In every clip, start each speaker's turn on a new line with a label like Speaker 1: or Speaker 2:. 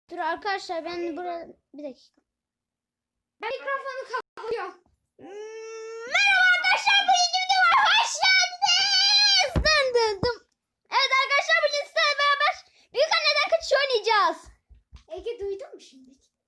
Speaker 1: Dur arkadaşlar ben burada bir dakika.
Speaker 2: Ben mikrofonu kapatıyorum.
Speaker 1: Merhaba arkadaşlar, bu yeni videoma hoş geldiniz. Dın dın dın. Evet arkadaşlar, bugün sizlerle beraber büyük anneden kaçış oynayacağız.
Speaker 2: Ege duydun mu şimdi?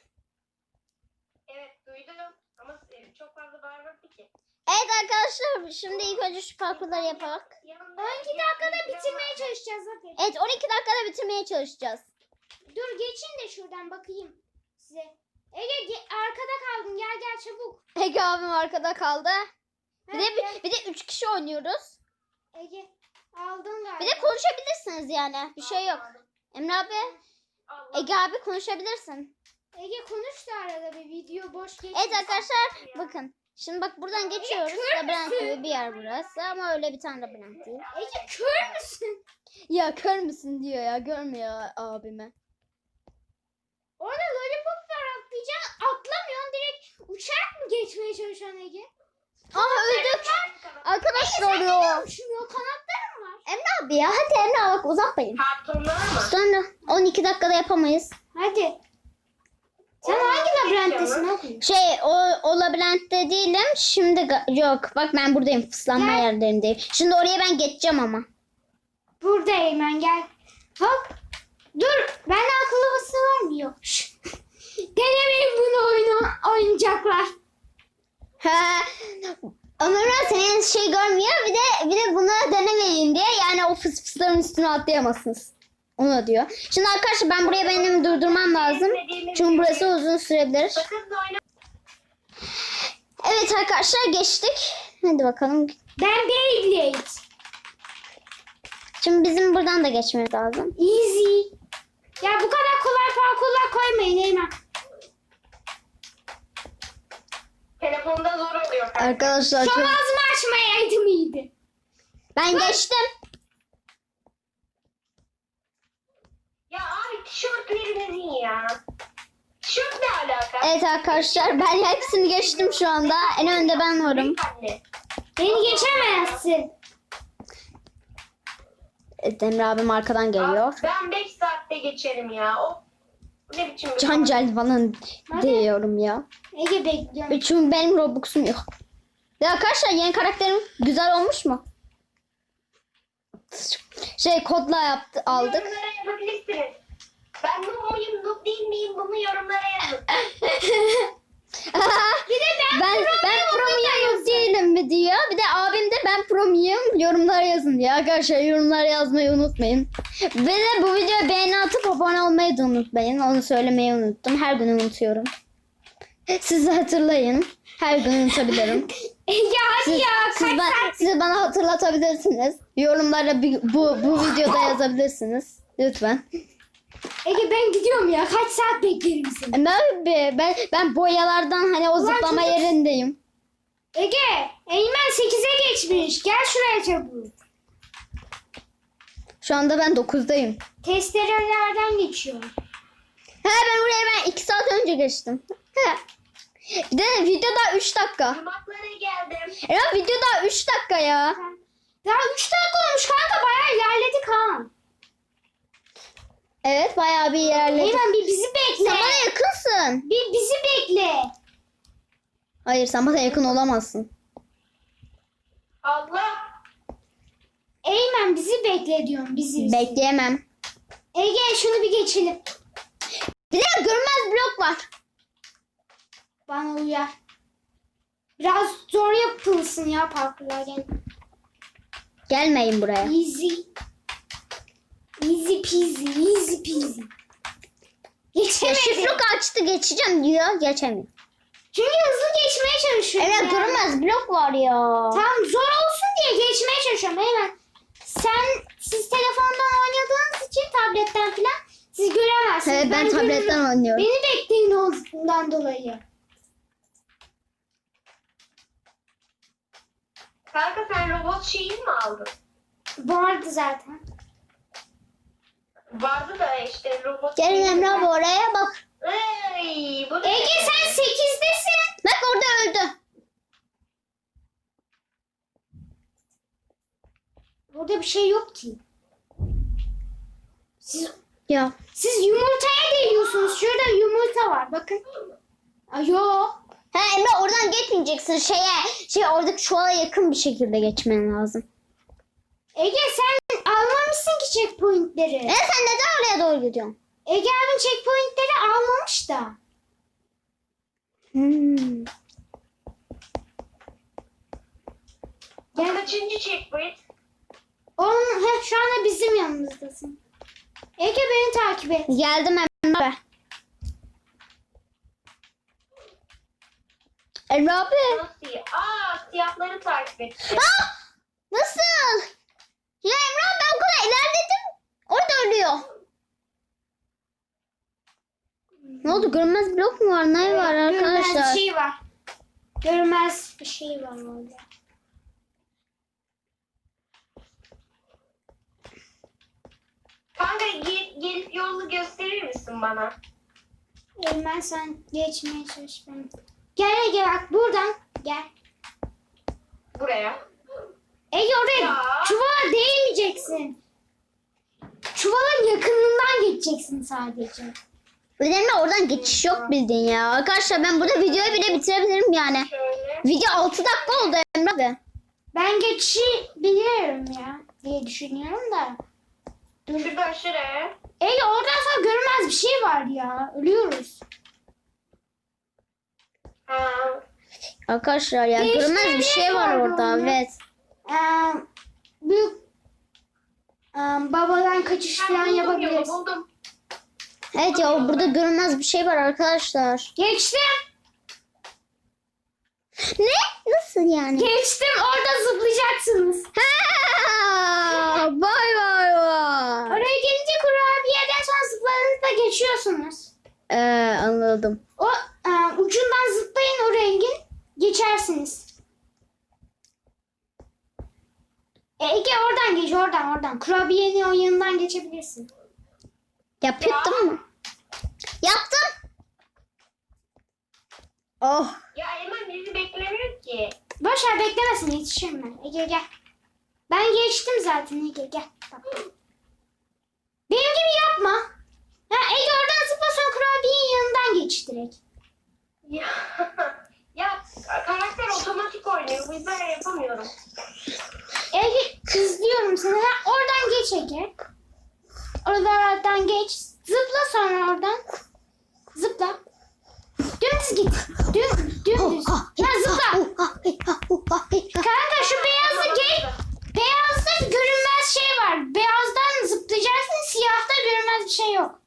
Speaker 3: Evet duydum ama çok fazla bağırmadı ki.
Speaker 1: Evet arkadaşlar, şimdi ilk önce şu parkurları yapalım.
Speaker 2: 12 dakikada bitirmeye çalışacağız hadi.
Speaker 1: Evet, 12 dakikada bitirmeye çalışacağız.
Speaker 2: Dur geçin de şuradan bakayım size. Ege arkada kaldın, gel gel çabuk.
Speaker 1: Ege abim arkada kaldı. Bir de
Speaker 2: Gel.
Speaker 1: bir de 3 kişi oynuyoruz.
Speaker 2: Ege aldın galiba.
Speaker 1: Bir de konuşabilirsiniz yani. Bir şey yok. Emre abi, Ege abi konuşabilirsin.
Speaker 2: Ege konuş da arada bir video boş geçmesin.
Speaker 1: Evet arkadaşlar, bakın. Şimdi bak buradan geçiyoruz.
Speaker 2: kör
Speaker 1: Labirent
Speaker 2: müsün?
Speaker 1: gibi bir yer burası ama öyle bir tane labirent değil.
Speaker 2: Ege kör müsün?
Speaker 1: Ya kör müsün diyor ya, görmüyor abime.
Speaker 2: Orada lollipop var, atlayacaksın. Atlamıyorsun, direkt uçarak mı geçmeye çalışıyorsun Ege?
Speaker 1: Aha öldük. Arkadaşlar
Speaker 2: Sen
Speaker 1: ya.
Speaker 2: neden uçmuyor? Kanatların var.
Speaker 1: Emre abi ya, hadi Emre abi, bak uzatmayın.
Speaker 3: Kartonlar mı?
Speaker 1: Sonra 12 dakikada yapamayız.
Speaker 2: Hadi. Sen hangi labirenttesin oğlum?
Speaker 1: O labirentte değilim. Şimdi yok. Bak ben buradayım. Fıslanma
Speaker 2: Gel.
Speaker 1: yerlerindeyim. Şimdi oraya ben geçeceğim ama.
Speaker 2: Buradayım ben, gel. Hop. Dur. Bende akıllı bası var mı? Yok. Denemeyin bunu, oynayacaklar.
Speaker 1: He. Ömer senin şey görmüyor. Bir de bunu denemeyin diye. Yani o fısların üstüne atlayamazsınız. Onu diyor. Şimdi arkadaşlar ben buraya benim durdurmam lazım. Çünkü burası uzun sürebilir.
Speaker 3: Sakın da oyna.
Speaker 1: Evet arkadaşlar, geçtik. Hadi bakalım.
Speaker 2: Ben Beyblade.
Speaker 1: Şimdi bizim buradan da geçmemiz lazım.
Speaker 2: Easy. Ya bu kadar kolay parkurlar koymayın Eymen.
Speaker 3: Telefonda zor oluyor.
Speaker 1: Arkadaşlar
Speaker 2: Son ağzımı açmayaydım iyiydi.
Speaker 1: ben geçtim.
Speaker 3: Ya abi tişörtlerimizin ya. Tişört ne alaka?
Speaker 1: Evet arkadaşlar, ben hepsini geçtim şu anda. En önde ben varım.
Speaker 3: Büyük anne.
Speaker 2: Beni geçemezsin.
Speaker 1: Evet, Emre abim arkadan geliyor.
Speaker 3: Abi, ben 5 saatte geçerim ya. O ne biçim bir
Speaker 1: Cancel falan diyorum ya.
Speaker 2: Ege bekliyorum.
Speaker 1: Çünkü benim Robux'um yok. Ya arkadaşlar, yeni karakterim güzel olmuş mu? Kodla aldık.
Speaker 3: Yorumlara yazabilirsiniz. Ben noob muyum, noob değil miyim, bunu yorumlara yazın.
Speaker 2: Bir de
Speaker 1: ben pro muyum değilim mi diyor. Bir de abim de ben pro muyum, yorumlara yazın diyor. Arkadaşlar yorumlara yazmayı unutmayın. Ve de bu videoya beğeni atıp abone olmayı da unutmayın. Onu söylemeyi unuttum. Her gün unutuyorum. Siz de hatırlayın. Her gün unutabilirim.
Speaker 2: Ege hadi ya.
Speaker 1: Siz bana hatırlatabilirsiniz. Yorumlara bu videoda yazabilirsiniz. Lütfen.
Speaker 2: Ege ben gidiyorum ya. Kaç saat beklerim seni?
Speaker 1: Ben boyalardan hani o zıplama
Speaker 2: çocuk.
Speaker 1: yerindeyim.
Speaker 2: Ege, Eymen 8'e geçmiş. Gel şuraya çabuk.
Speaker 1: Şu anda ben 9'dayım.
Speaker 2: Testerelerden geçiyorum.
Speaker 1: Ben oraya 2 saat önce geçtim. Bir de video daha 3 dakika.
Speaker 3: Yumaklara geldim.
Speaker 1: Video daha 3 dakika ya.
Speaker 2: Daha 3 dakika olmuş kanka, bayağı ilerledik ha.
Speaker 1: Evet, bayağı bir ilerledik.
Speaker 2: Eymen bir bizi bekle.
Speaker 1: Sen bana yakınsın.
Speaker 2: Bir bizi bekle.
Speaker 1: Hayır, sen bana yakın olamazsın.
Speaker 3: Allah.
Speaker 2: Eymen bizi bekle diyorum, bizi.
Speaker 1: Bekleyemem.
Speaker 2: Ege şunu bir geçelim.
Speaker 1: Bir de görünmez blok var.
Speaker 2: Bana uyar. Biraz zor yapılsın ya parkurlar gene.
Speaker 1: Gelmeyin buraya.
Speaker 2: Easy. Easy peasy, easy peasy.
Speaker 1: Ya
Speaker 2: Geçemedim.
Speaker 1: şifruk açtı, geçeceğim diyor. Geçemiyor.
Speaker 2: Çünkü hızlı geçmeye çalışıyorum.
Speaker 1: Evet,
Speaker 2: ya.
Speaker 1: görünmez blok var ya.
Speaker 2: Tamam, zor olsun diye geçmeye çalışıyorum Eymen. Siz telefondan oynadığınız için, tabletten falan siz göremezsiniz.
Speaker 1: Evet, ben tabletten
Speaker 2: görürüm.
Speaker 1: oynuyorum.
Speaker 2: Beni bekleyin ondan dolayı.
Speaker 3: Kanka sen robot şeyi mi aldın?
Speaker 2: Vardı zaten.
Speaker 3: Vardı da işte robot
Speaker 1: Gelin
Speaker 3: şeyi
Speaker 1: Emre
Speaker 3: mi?
Speaker 1: abi, oraya bak.
Speaker 3: Ey, bu ne?
Speaker 2: Ege sen 8'desin.
Speaker 1: Bak orada öldü.
Speaker 2: Burada bir şey yok ki.
Speaker 1: Ya.
Speaker 2: Siz yumurtaya değiyorsunuz.
Speaker 1: bakın.
Speaker 2: Ay yok.
Speaker 1: Ha Emre oradan geçmeyeceksin. Oradaki çuvala yakın bir şekilde geçmen lazım.
Speaker 2: Ege sen almamışsın ki checkpointleri.
Speaker 1: Sen neden oraya doğru gidiyorsun?
Speaker 2: Ege abin checkpointleri almamış da.
Speaker 3: Bu kaçıncı checkpoint?
Speaker 2: Şu anda bizim yanımızdasın. Ege beni takip et.
Speaker 1: Geldim Emre. Emre abi.
Speaker 3: Nasıl ya? Siyahları takip etti.
Speaker 1: Nasıl? Ya Emre abi ben o kadar ilerledim. Orada ölüyor. Ne oldu? Görünmez blok mu var? Ne var
Speaker 2: Görünmez
Speaker 1: arkadaşlar?
Speaker 2: bir şey var. Görünmez bir şey var orada.
Speaker 3: Kanka gelip yolu gösterir misin bana?
Speaker 2: Eymen sen geçmeye çalış benim. Gel Ege bak buradan gel.
Speaker 3: Buraya.
Speaker 2: Ege oraya
Speaker 3: Ya.
Speaker 2: çuvala değmeyeceksin. Çuvalın yakınından geçeceksin sadece.
Speaker 1: Emre oradan geçiş yok bildiğin ya. Arkadaşlar ben burada videoyu bile bitirebilirim yani.
Speaker 3: Şöyle.
Speaker 1: Video 6 dakika oldu Emre abi.
Speaker 2: Ben geçişi biliyorum ya diye düşünüyorum da.
Speaker 3: Şuradan şuraya.
Speaker 2: Ege oradan sonra görünmez bir şey var ya. Ölüyoruz.
Speaker 3: Ha.
Speaker 1: Arkadaşlar ya
Speaker 2: Değiştirme
Speaker 1: görünmez bir şey var
Speaker 2: var
Speaker 1: orada.
Speaker 2: orada.
Speaker 1: Evet.
Speaker 2: Büyük babadan kaçış falan
Speaker 3: Buldum yolu,
Speaker 2: yapabiliriz.
Speaker 3: buldum.
Speaker 1: Evet ya burada görünmez bir şey var arkadaşlar.
Speaker 2: Geçtim.
Speaker 1: Ne? Nasıl yani?
Speaker 2: Geçtim. Orada zıplayacaksınız.
Speaker 1: Ha, vay vay vay.
Speaker 2: Oraya gelince kurabiyeden sonra zıpladığınızda geçiyorsunuz.
Speaker 1: Anladım.
Speaker 2: O ucundan zıplayın o rengin. Geçersiniz. Ege oradan geç oradan. Kurabiyenin o yanından geçebilirsin.
Speaker 1: Yaptın mı? Yaptım. Oh.
Speaker 3: Ya Eymen bizi beklemiyor ki.
Speaker 2: Boş ver beklemesin yetişirim ben. Ege gel. Ben geçtim zaten Ege gel. Bak. Benim gibi yapma. Ege oradan zıpla sonra kurabiyenin yanından geç direkt.
Speaker 3: Ya, ya karakter otomatik oynuyor. Bu yüzden yapamıyorum.
Speaker 2: Ege izliyorum seni. Oradan geç Ege. Oradan geç. Zıpla sonra oradan. Zıpla. Dümdüz git. Dümdüz. Zıpla. Kanka şu beyazı geç. Beyazda görünmez şey var. Beyazdan zıplayacaksın. Siyahta görünmez bir şey yok.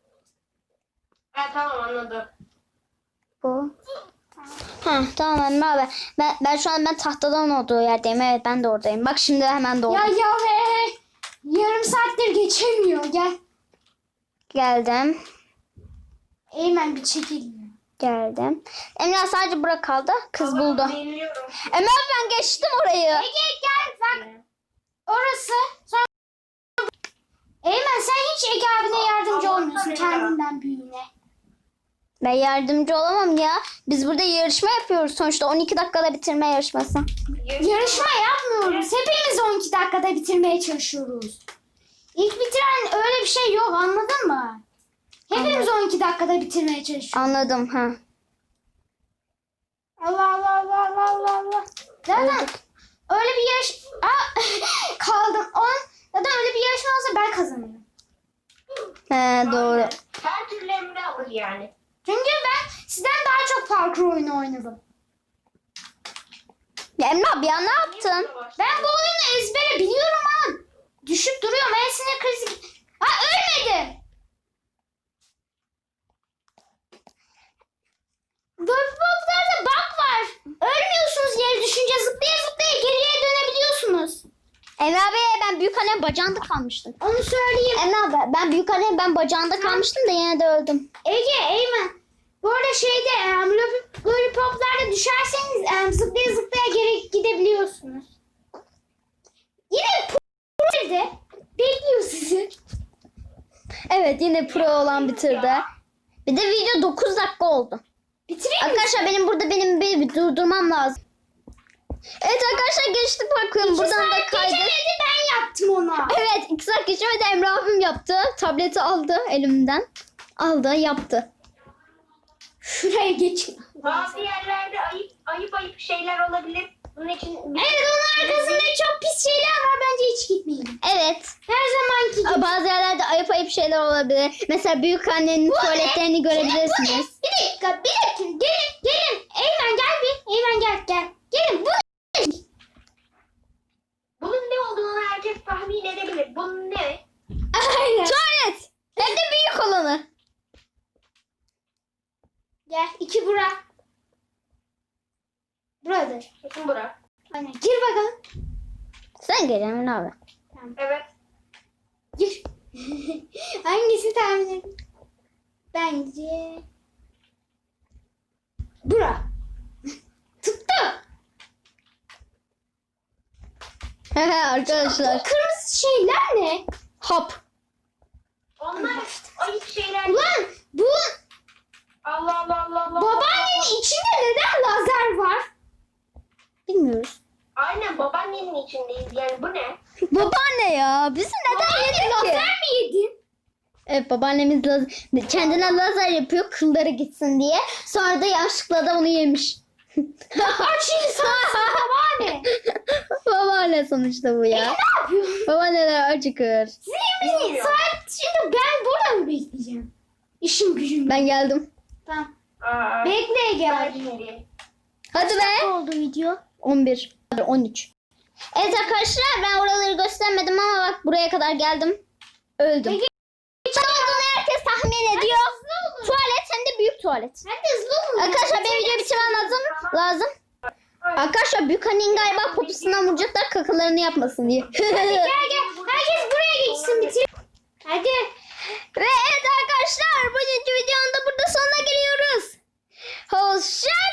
Speaker 3: Ha tamam anladım.
Speaker 1: Bu. Ha tamam Emre abi. Ben şu an tahtadan olduğu yerdeyim. Evet ben de oradayım. Bak şimdi hemen doğdum.
Speaker 2: Ya be. Yarım saattir geçemiyor. Gel.
Speaker 1: Geldim.
Speaker 2: Eymen bir çekil.
Speaker 1: Geldim. Emre sadece bura kaldı. Kız
Speaker 3: Tamam,
Speaker 1: buldu.
Speaker 3: Biliyorum.
Speaker 1: Emre abi ben geçtim orayı.
Speaker 2: Ege gel bak. Orası. Sonra... Eymen sen hiç Ege abine yardımcı
Speaker 3: Allah
Speaker 2: olmuyorsun
Speaker 3: Allah.
Speaker 2: kendinden büyüğüne.
Speaker 1: Ben yardımcı olamam ya. Biz burada yarışma yapıyoruz sonuçta. 12 dakikada bitirme yarışması.
Speaker 2: Yarışma yapmıyoruz. Hepimiz 12 dakikada bitirmeye çalışıyoruz. İlk bitiren öyle bir şey yok anladın mı? Hepimiz 12 dakikada bitirmeye çalışıyoruz.
Speaker 1: Anladım ha.
Speaker 2: Allah. Zaten öyle bir yarış... kaldım. Zaten öyle bir yarışma olsa ben kazanırım.
Speaker 1: He doğru.
Speaker 3: Her türlü Emre alır yani.
Speaker 2: Çünkü ben sizden daha çok parkur oyunu oynadım.
Speaker 1: Ya Emre abi ya ne yaptın?
Speaker 2: Ben bu oyunu ezbere biliyorum ama düşüp duruyorum. En sinir krizi... ölmedim. Lollipop'larda bug var. Ölmüyorsunuz yere düşünce zıplaya zıplaya geriye dönebiliyorsunuz.
Speaker 1: Emre abi ben büyük annem bacağında kalmıştım.
Speaker 2: Onu söyleyeyim.
Speaker 1: Emre abi ben büyük annem bacağında kalmıştım da yine de öldüm.
Speaker 2: Ege, Eymen. Bu arada lollipoplarda düşerseniz zıplaya zıplaya geri gidebiliyorsunuz. Yine nerede? Bekliyor sizi.
Speaker 1: Evet yine pro olan bitirdi. Bir de video 9 dakika oldu.
Speaker 2: Bitireyim mi?
Speaker 1: Arkadaşlar benim bir durdurmam lazım. Evet arkadaşlar geçtik bakın buradan da kaydı.
Speaker 2: Geçemedi ben yaptım ona.
Speaker 1: Evet 2 saat geçemedi Emre abim yaptı. Tableti aldı elimden. Aldı yaptı.
Speaker 2: Şuraya geçin.
Speaker 3: Bazı yerlerde ayıp şeyler olabilir. Bunun için
Speaker 2: Evet, onun arkasında çok pis şeyler var. Bence hiç gitmeyin.
Speaker 1: Evet.
Speaker 2: Her zamanki gibi.
Speaker 1: Bazı yerlerde ayıp şeyler olabilir. Mesela büyük annenin tuvaletlerini görebilirsiniz.
Speaker 2: Bir dakika. Gelin. Eymen gel bir. Eymen gel. Gelin. Bu
Speaker 3: bunun ne olduğunu herkes tahmin edebilir. Bunun ne?
Speaker 2: Aynen.
Speaker 1: Tuvalet. Hem de büyük olanı.
Speaker 2: Gel. 2 bura. Buradır.
Speaker 3: Kesin bura.
Speaker 2: Aynen. Gir bakalım.
Speaker 1: Sen gel Emin abi.
Speaker 3: Evet.
Speaker 2: Gir. Hangisi tahmin edin? Bence bura. Tuttu.
Speaker 1: Arkadaşlar.
Speaker 2: Bu kırmızı şeyler ne?
Speaker 1: Hop.
Speaker 3: Onlar ayıp şeyler.
Speaker 2: Ulan bu
Speaker 3: Allah.
Speaker 2: babaannenin içinde neden lazer var?
Speaker 1: Bilmiyoruz.
Speaker 3: Aynen babaannenin içindeyiz. Yani bu ne?
Speaker 1: Babaanne ya. Bizi neden
Speaker 2: Babaanne
Speaker 1: yedin ki?
Speaker 2: lazer mi yedin?
Speaker 1: Evet, babaannemiz kendine lazer yapıyor kılları gitsin diye. Sonra da yanlışlıkla da onu yemiş.
Speaker 2: Aç insansın babaanne.
Speaker 1: Babaanne sonuçta bu ya.
Speaker 2: Ne yapıyorsun?
Speaker 1: Babaanneler acıkır.
Speaker 2: Sizin
Speaker 3: Bilmiyorum.
Speaker 2: saat şimdi ben burada mı bekleyeceğim? İşim gücüm.
Speaker 1: Ben geldim.
Speaker 2: Tamam.
Speaker 3: Aa,
Speaker 2: Bekle
Speaker 3: ben
Speaker 2: gel.
Speaker 3: şimdi.
Speaker 1: Hadi be.
Speaker 2: oldu video?
Speaker 1: 11. Hadi 13. Evet arkadaşlar, ben oraları göstermedim ama bak buraya kadar geldim. Öldüm.
Speaker 2: Peki.
Speaker 1: Ne olduğunu herkes tahmin ediyor. Tuvalet, hem de büyük tuvalet.
Speaker 2: Hadi hızlı olun.
Speaker 1: Arkadaşlar benim videoyu bitirmem lazım. Arkadaşlar büyük annenin galiba poposundan vuracaklar kakalarını yapmasın diye.
Speaker 2: Gel. Herkes buraya geçsin bitir. Hadi.
Speaker 1: Ve evet arkadaşlar, bugünkü videonun da burada sonuna geliyoruz. Hoşça